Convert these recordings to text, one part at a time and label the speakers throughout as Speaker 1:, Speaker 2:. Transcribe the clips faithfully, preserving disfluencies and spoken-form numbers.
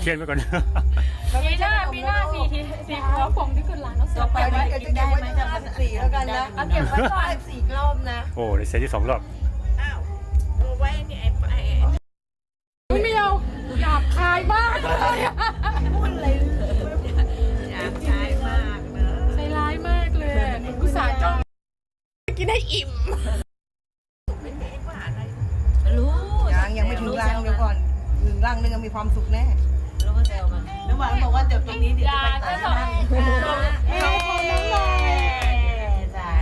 Speaker 1: เทียนไปก่อน
Speaker 2: ปีหน้าปีหน้าสี่ทีสี่หัวผมที่ขึ้นร้านแล้ว
Speaker 3: ต่อไปว่าจะได้ไหมจะมาสี่แล้วกันนะเอาเก็บไว้ก่อนสี่รอบนะ
Speaker 1: โอ้ได้เซตที่สองรอบ
Speaker 4: อ้าวเอาไว้นี่ไอ้ไอ้
Speaker 2: ไม่เอาหยาบคายมากเลยอะ
Speaker 3: พูดอะไร
Speaker 4: อยากใช้มากเนอะ
Speaker 2: ใจร้ายมากเลยหนูอุตส่าห์จ้อง
Speaker 4: กินให้อิ่มไม่เห็นว่าอะไร
Speaker 3: รู้ยังยังไม่ถึงรังเดี๋ยวก่อนถึงรังนึงมีความสุขแน่รู้ว่าเซลมันน้ำหวานบอกว่าเดี๋ยวตรงนี้เดี๋ยวจะไปตัดนั่งเขาคนนั้นเลยสา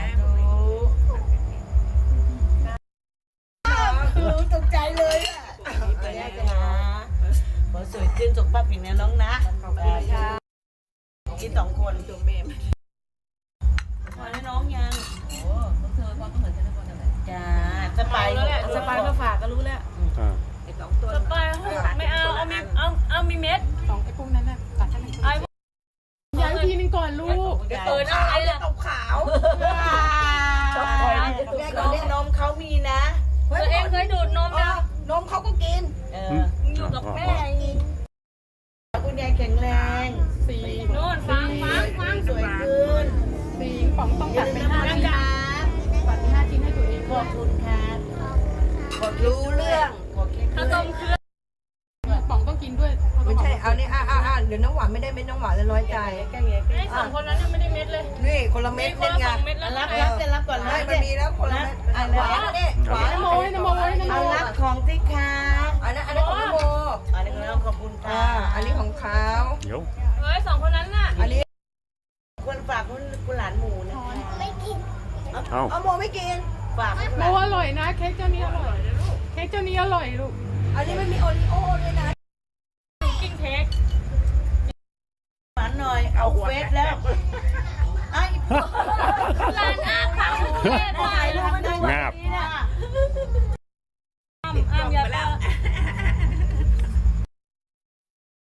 Speaker 3: ธุตกใจเลยอ่ะไปได้จ้าขอสวยขึ้นสุขภาพแข็งแรงน้องนะขอบคุณค่ะกินสองคนตัวแม่พอแล้วน้องยังโอ้เธอความเหมือนกันทุกคนเลยจ้าสบายสบายมาฝากก็รู้แล้ว
Speaker 1: อ่า
Speaker 2: สปายไม่เอาเอามีเอาเอามีเม็ดสองไอ้พวกนั้นน่ะตัดให้มันไอ้ย้ายทีนึงก่อนลูก
Speaker 4: เออนะไอ้เนี่ยขาวชอบคอยแม่ก่อนเนี่ยนมเขามีนะ
Speaker 2: ตัวเองเคยดูดนมยัง
Speaker 4: นมเขาก็กิน เออ
Speaker 2: อยู่กับแม่
Speaker 4: คุณยายแข็งแรง
Speaker 2: สี่นู่นฟังฟังฟัง
Speaker 4: สวยขึ้น
Speaker 2: สี่ป๋องต้องตัดไปห้าชิ้นตัดไปห้าชิ้นให้ตัวเอง
Speaker 4: ขอบคุณค่ะรู้เรื่องขอแค่
Speaker 2: ข้าวต้มเครื่องป๋องต้องกินด้วย
Speaker 3: ไม่ใช่เอานี่อ่ะอ่ะอ่ะเดี๋ยวน้ำหวานไม่ได้เม็ดน้ำหวานแล้วน้อยใจ
Speaker 4: ใกล้ๆใกล้
Speaker 2: ไอ้สองคนนั้นยังไม่ได้เม็ดเลย
Speaker 3: นี่คนละเม็ด
Speaker 2: มีค
Speaker 3: เล่
Speaker 2: น
Speaker 3: น
Speaker 2: ละส
Speaker 3: งา
Speaker 2: อน งเม็ดแล้ว
Speaker 4: รับ
Speaker 2: นะ
Speaker 4: รับจะรับก่อน
Speaker 3: ไม่
Speaker 4: รับ
Speaker 3: มันมีแล้วคนละเม็ดอ่ะหวานนี่หวาน
Speaker 2: น้ำโมยน้ำโมยน้ำโม
Speaker 4: เอา
Speaker 2: ย
Speaker 4: รับของที่ค้า
Speaker 3: อันนั้นอันนั้นของน้ำโม
Speaker 4: อันนี้เราขอบคุณ
Speaker 3: อ่า
Speaker 4: ค่ะ
Speaker 3: อันนี้ของเขา
Speaker 1: เดี๋ยว
Speaker 2: เฮ้ยสองคนนั้นน่ะ
Speaker 3: อันนี้
Speaker 4: คนฝากคุณคุณหลานหมูนะคะไม่กิน
Speaker 1: เอ้า
Speaker 3: เอาโมไม่กิน
Speaker 4: ฝาก
Speaker 2: โมอร่อยนะเค้กเจ้านี้อร่อยเค้กเจ้านี้อร่อยลูก
Speaker 3: อันนี้มันมีโอริโอ้ด้วยนะ
Speaker 2: กินเค้ก
Speaker 4: หวานหน่อยเอาเฟสแล้วไอ้
Speaker 2: ร้านอาปังเทศหน่อย
Speaker 4: ถ่ายรูปให้ดู
Speaker 1: งาบ